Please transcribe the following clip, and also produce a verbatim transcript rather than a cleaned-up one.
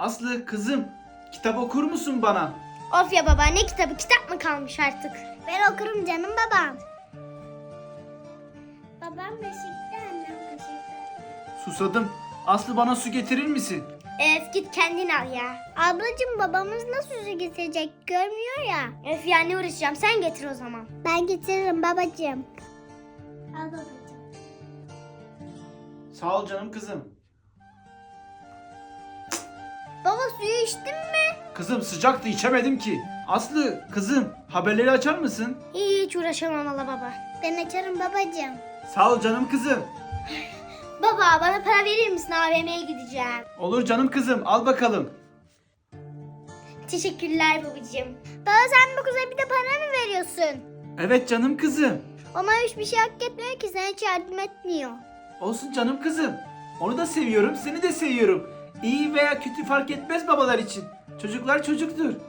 Aslı kızım, kitap okur musun bana? Of ya baba, ne kitabı, kitap mı kalmış artık? Ben okurum canım babam. Babam beşikte, annem kaşıkta. Susadım. Aslı bana su getirir misin? Öf, git kendin al ya. Ablacığım, babamız nasıl su getirecek, görmüyor ya. Öf ya, ne uğraşacağım, sen getir o zaman. Ben getiririm babacığım. Al babacığım. Sağ ol canım kızım. Baba, suyu içtin mi? Kızım sıcaktı, içemedim ki. Aslı kızım, haberleri açar mısın? Hiç uğraşamam valla baba. Ben açarım babacığım. Sağ ol canım kızım. Baba, bana para verir misin? A V M'ye gideceğim. Olur canım kızım, al bakalım. Teşekkürler babacığım. Baba, sen bu kıza bir de para mı veriyorsun? Evet canım kızım. Ona hiçbir şey hak etmiyor ki, sana hiç yardım etmiyor. Olsun canım kızım. Onu da seviyorum, seni de seviyorum. İyi veya kötü fark etmez babalar için. Çocuklar çocuktur.